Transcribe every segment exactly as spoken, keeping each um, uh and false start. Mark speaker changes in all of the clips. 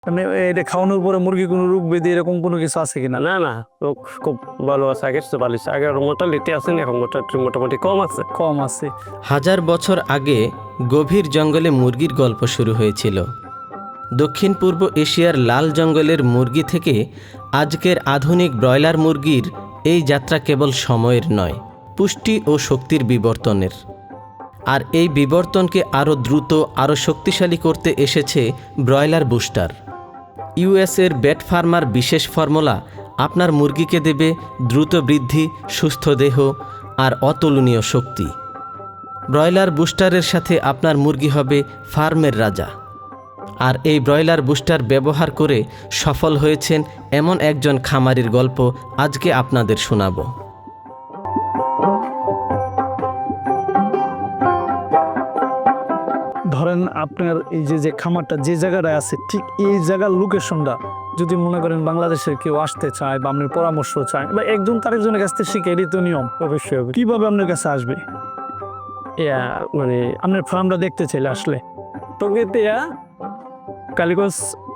Speaker 1: মানে এটা খাওয়ানোর পরে মুরগি কোনো রোগ ব্যাধি এরকম কোনো কিছু আছে কিনা?
Speaker 2: না না রোগ খুব ভালো আছে, আগের চেয়ে ভালো আছে। আগের মোটালিটি আছে না, এখন মোটালিটি মোটামুটি কম আছে।
Speaker 1: কম আছে।
Speaker 3: হাজার বছর আগে গভীর জঙ্গলে মুরগির গল্প শুরু হয়েছিল। দক্ষিণ পূর্ব এশিয়ার লাল জঙ্গলের মুরগি থেকে আজকের আধুনিক ব্রয়লার মুরগির এই যাত্রা কেবল সময়ের নয়, পুষ্টি ও শক্তির বিবর্তনের। আর এই বিবর্তনকে আরও দ্রুত, আরও শক্তিশালী করতে এসেছে ব্রয়লার বুস্টার। ইউএসের বেট ফার্মার বিশেষ ফর্মুলা আপনার মুরগিকে দেবে দ্রুত বৃদ্ধি, সুস্থ দেহ আর অতুলনীয় শক্তি। ব্রয়লার বুস্টারের সাথে আপনার মুরগি হবে ফার্মের রাজা। আর এই ব্রয়লার বুস্টার ব্যবহার করে সফল হয়েছেন এমন একজন খামারির গল্প আজকে আপনাদের শোনাবো।
Speaker 1: ধরেন আপনার এই যে যে খামারটা যে জায়গাটায় আছে, ঠিক এই জায়গার লোকেশনটা যদি মনে করেন বাংলাদেশের কেউ আসতে চায় বা আপনার পরামর্শ চায় বা একজন তারেকজনের কাছ থেকে শিখে, এটি তো নিয়ম অবশ্যই হবে। কিভাবে আপনার কাছে আসবে?
Speaker 2: ইয়া মানে
Speaker 1: আপনার ফার্মটা দেখতে চাইলে আসলে
Speaker 2: টঙ্গীতে ইয়া কালীগঞ্জ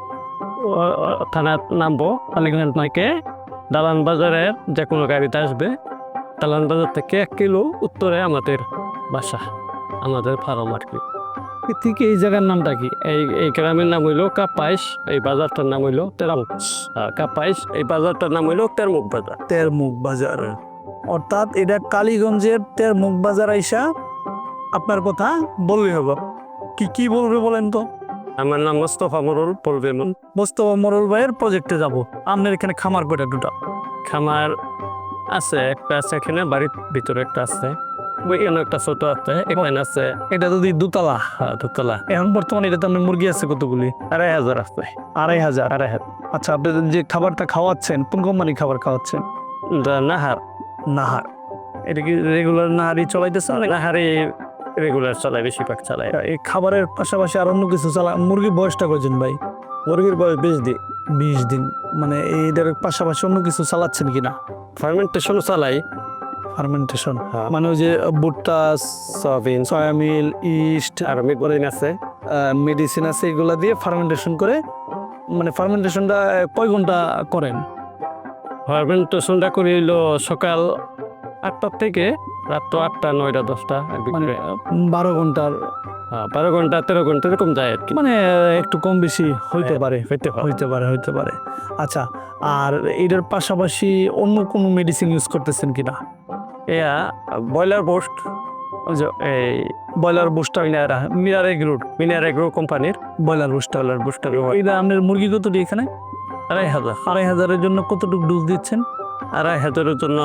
Speaker 2: থানার নামবো। কালীগঞ্জ নাইকে দালান বাজারের যে কোনো গাড়িতে আসবে। দালান বাজার থেকে এক কিলো উত্তরে আমাদের বাসা, আমাদের ফার্ম আর কি।
Speaker 1: ঠিক এই জায়গার নামটা কি?
Speaker 2: এই এই গ্রামের নাম হইলো কাপাইশ, এই বাজারটার নাম হইলো তেরামুখ। কাপাইশ, এই বাজারটার নাম হইলো তেরমুখ বাজার।
Speaker 1: তেরমুখ বাজার, অর্থাৎ এটা কালীগঞ্জের তেরমুখ বাজার আইসা আপনার কথা বললে হবে। কি কি বলবে বলেন তো?
Speaker 2: আমার নাম মোস্তফা মোরল বলবে।
Speaker 1: মোস্তফা মোরল ভাইয়ের প্রজেক্টে যাব। আপনার এখানে খামার কয়টা? দুটা
Speaker 2: খামার আছে, একটা আছে এখানে বাড়ির ভিতরে, একটা আছে ওইখানে, একটা ছোট আছে এখানে আছে।
Speaker 1: এটা যদি দুতলা,
Speaker 2: হ্যাঁ দুতলা।
Speaker 1: এখন বর্তমানে এটাতে আপনার মুরগি আছে কতগুলি?
Speaker 2: আড়াই হাজার আছে।
Speaker 1: আড়াই হাজার।
Speaker 2: আড়াই হাজার।
Speaker 1: আচ্ছা, আপনি যে খাবারটা খাওয়াচ্ছেন কোন কোম্পানির খাবার খাওয়াচ্ছেন?
Speaker 2: নাহার।
Speaker 1: নাহার। এটা কি রেগুলার নাহারই চলাইতেছে?
Speaker 2: নাহারে রেগুলার চালায়, বেশিরভাগ চালায়।
Speaker 1: এই খাবারের পাশাপাশি আর অন্য কিছু চালা? মুরগির বয়সটা কয়জন ভাই?
Speaker 2: মুরগির বয়স বিশ দিন।
Speaker 1: বিশ দিন। মানে এইটার পাশাপাশি অন্য কিছু চালাচ্ছেন কিনা?
Speaker 2: ফার্মেন্টেশন চালাই।
Speaker 1: ফার্মেন্টেশন
Speaker 2: হ্যাঁ।
Speaker 1: মানে ওই যে ভুট্টা,
Speaker 2: সয়াবিন,
Speaker 1: সয়ামিল, ইস্ট
Speaker 2: আর মেডিসিন আছে,
Speaker 1: মেডিসিন আছে, এগুলা দিয়ে ফার্মেন্টেশন করে। মানে ফার্মেন্টেশনটা কয় ঘন্টা করেন?
Speaker 2: ফার্মেন্টেশনটা করি হইলো সকাল আটটার থেকে রাত আটটা, নয়টা, দশটা।
Speaker 1: মানে বারো ঘন্টার,
Speaker 2: হ্যাঁ বারো ঘন্টা তেরো ঘন্টা এরকম যায় আর কি।
Speaker 1: মানে একটু কম বেশি হইতে পারে,
Speaker 2: হইতে পারে।
Speaker 1: হইতে পারে হইতে পারে আচ্ছা, আর এটার পাশাপাশি অন্য কোনো মেডিসিন ইউজ করতেছেন কিনা?
Speaker 2: এয়া ব্রয়লার বোস্ট, এই
Speaker 1: broiler booster,
Speaker 2: Minar agro, Minar agro কোম্পানির
Speaker 1: ব্রয়লার বুস্টার।
Speaker 2: Broiler booster.
Speaker 1: এটা আপনার মুরগি কতটি এখানে?
Speaker 2: আড়াই হাজার।
Speaker 1: আড়াই হাজারের জন্য কতটুকু ডোজ দিচ্ছেন?
Speaker 2: আড়াই হাজারের জন্য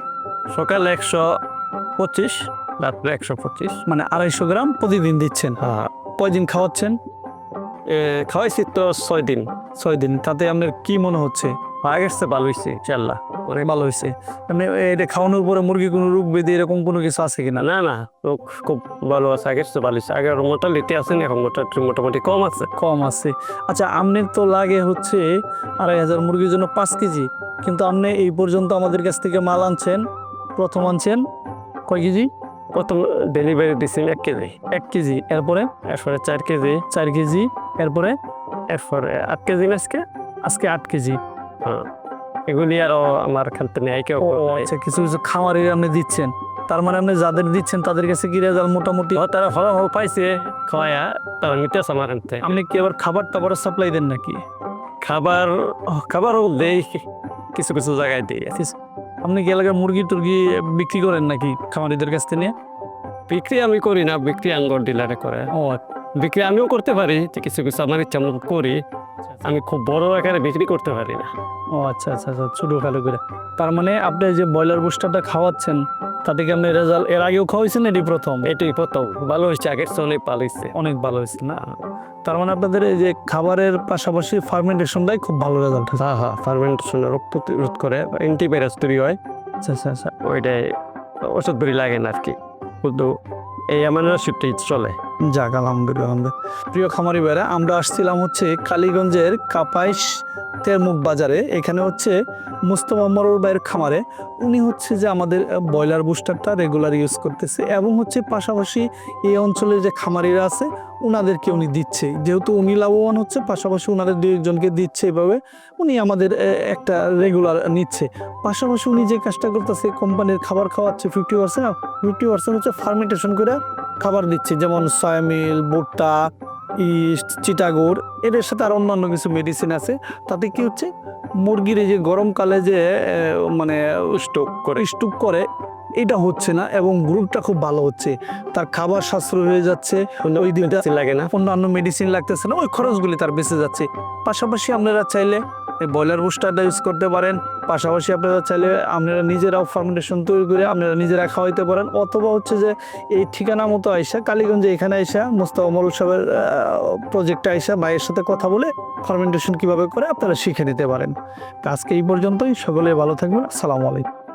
Speaker 2: সকালে একশো পঁচিশ, রাত্রে একশো পঁচিশ,
Speaker 1: মানে আড়াইশো গ্রাম প্রতিদিন দিচ্ছেন।
Speaker 2: হ্যাঁ।
Speaker 1: কয়দিন খাওয়াচ্ছেন?
Speaker 2: খাওয়াইছি তো ছয় দিন।
Speaker 1: ছয় দিন। তাতে আপনার কি মনে হচ্ছে?
Speaker 2: আগের চেয়ে ভালো হয়েছে ইনশাল্লাহ,
Speaker 1: অনেক ভালো হয়েছে। মানে এটা খাওয়ানোর পরে মুরগি কোনো রোগ ব্যাধি এরকম কোনো কিছু আছে কিনা?
Speaker 2: না না রোগ খুব ভালো আছে, আগের চেয়ে ভালো হয়েছে। আগের মোটালিটি আছে না, এখন মোটালিটি মোটামুটি কম আছে।
Speaker 1: কম আছে। আচ্ছা, আপনার তো লাগে হচ্ছে আড়াই হাজার মুরগির জন্য পাঁচ কেজি, কিন্তু আপনি এই পর্যন্ত আমাদের কাছ থেকে মাল আনছেন, প্রথম আনছেন কয় কেজি?
Speaker 2: প্রথম ডেলিভারি দিচ্ছি এক কেজি।
Speaker 1: এক কেজি, এরপরে
Speaker 2: এরপরে চার কেজি,
Speaker 1: চার কেজি, এরপরে
Speaker 2: এরপরে আট কেজি আজকে।
Speaker 1: আজকে আট কেজি।
Speaker 2: হ্যাঁ, এগুলি আরো আমার খেলতে নেই কেউ।
Speaker 1: আচ্ছা, কিছু কিছু খামারে আপনি দিচ্ছেন, তার মানে আপনি যাদের দিচ্ছেন তাদের কাছে কি রেজাল্ট মোটামুটি?
Speaker 2: তারা ফলাফল পাইছে, খাওয়ায়া তারা নিতেছে আমার আনতে।
Speaker 1: আপনি কি আবার খাবার টাবার সাপ্লাই দেন নাকি?
Speaker 2: খাবার খাবারও দেই, কিছু কিছু জায়গায় দিই।
Speaker 1: আপনি কি এলাকার মুরগি টুরগি বিক্রি করেন নাকি খামারিদের কাছ থেকে নিয়ে?
Speaker 2: বিক্রি আমি করি না, বিক্রি আঙ্গর ডিলারে করে।
Speaker 1: ও,
Speaker 2: বিক্রি আমিও করতে পারি, কিছু কিছু আমার ইচ্ছা মতো করি। আমি খুব বড় আকারে বিক্রি করতে পারি না।
Speaker 1: ও আচ্ছা আচ্ছা আচ্ছা, ছোটো খাটো করে। তার মানে আপনি যে ব্রয়লার বুস্টারটা খাওয়াচ্ছেন, তাতে কি আপনি রেজাল্ট এর আগেও খাওয়াইছেন? এটি প্রথম?
Speaker 2: এটাই প্রথম। ভালো হয়েছে, আগের চেয়ে অনেক ভালো হয়েছে।
Speaker 1: অনেক ভালো হয়েছে না? তার মানে আপনাদের এই যে খাবারের পাশাপাশি ফার্মেন্টেশনটাই খুব ভালো রেজাল্ট হয়েছে।
Speaker 2: হ্যাঁ হ্যাঁ, ফার্মেন্টেশন রোগ প্রতিরোধ করে, অ্যান্টিভাইরাস তৈরি হয়।
Speaker 1: আচ্ছা আচ্ছা আচ্ছা,
Speaker 2: ওইটাই ওষুধ বেরি লাগে না আর কি, শুধু এই আমার ওষুধটাই চলে।
Speaker 1: যাক আলহামদুলিল্লাহ। প্রিয় খামারি ভাইরা, আমরা আসছিলাম হচ্ছে কালীগঞ্জের কাপাইশ তেরমুখ বাজারে, এখানে হচ্ছে মুস্তফা মরুল ভাইয়ের খামারে উনি হচ্ছে যে আমাদের ব্রয়লার বুস্টারটা রেগুলার ইউজ করতেছে এবং হচ্ছে পাশাপাশি এই অঞ্চলের যে খামারিরা আছে উনাদেরকে উনি দিচ্ছে, যেহেতু উনি লাভবান হচ্ছে পাশাপাশি উনাদের দুই একজনকে দিচ্ছে, এভাবে উনি আমাদের এ, একটা রেগুলার নিচ্ছে। পাশাপাশি উনি যে কাজটা করতেছে কোম্পানির খাবার খাওয়াচ্ছে ফিফটি পার্সেন্ট ফিফটি পার্সেন্ট হচ্ছে ফার্মেন্টেশন করে খাবার দিচ্ছে, যেমন সয়ামিল, ভুট্টা, ইস্ট, চিটাগুড়, এদের সাথে আর অন্যান্য কিছু মেডিসিন আছে। তাতে কি হচ্ছে মুরগির এই যে গরমকালে যে এ, মানে স্টক করে স্টক করে এটা হচ্ছে না এবং গ্রুপটা খুব ভালো হচ্ছে, তার খাবার সাশ্রয় হয়ে যাচ্ছে, ওই দিনটা
Speaker 2: লাগে না।
Speaker 1: অন্যান্য মেডিসিন লাগতেছে না, ওই খরচগুলি তার বেঁচে যাচ্ছে। পাশাপাশি আপনারা চাইলে এই ব্রয়লার বুস্টারটা ইউজ করতে পারেন, পাশাপাশি আপনারা চাইলে আপনারা নিজেরাও ফার্মেন্টেশন তৈরি করে আপনারা নিজেরা খাওয়াইতে পারেন, অথবা হচ্ছে যে এই ঠিকানা মতো আইসা কালীগঞ্জে এখানে আইসা মোস্তফা মরুল সাহেবের প্রজেক্টে আইসা ভাইয়ের সাথে কথা বলে ফার্মেন্টেশন কিভাবে করে আপনারা শিখে নিতে পারেন। তো আজকে এই পর্যন্তই, সকলে ভালো থাকবেন, আসসালামু আলাইকুম।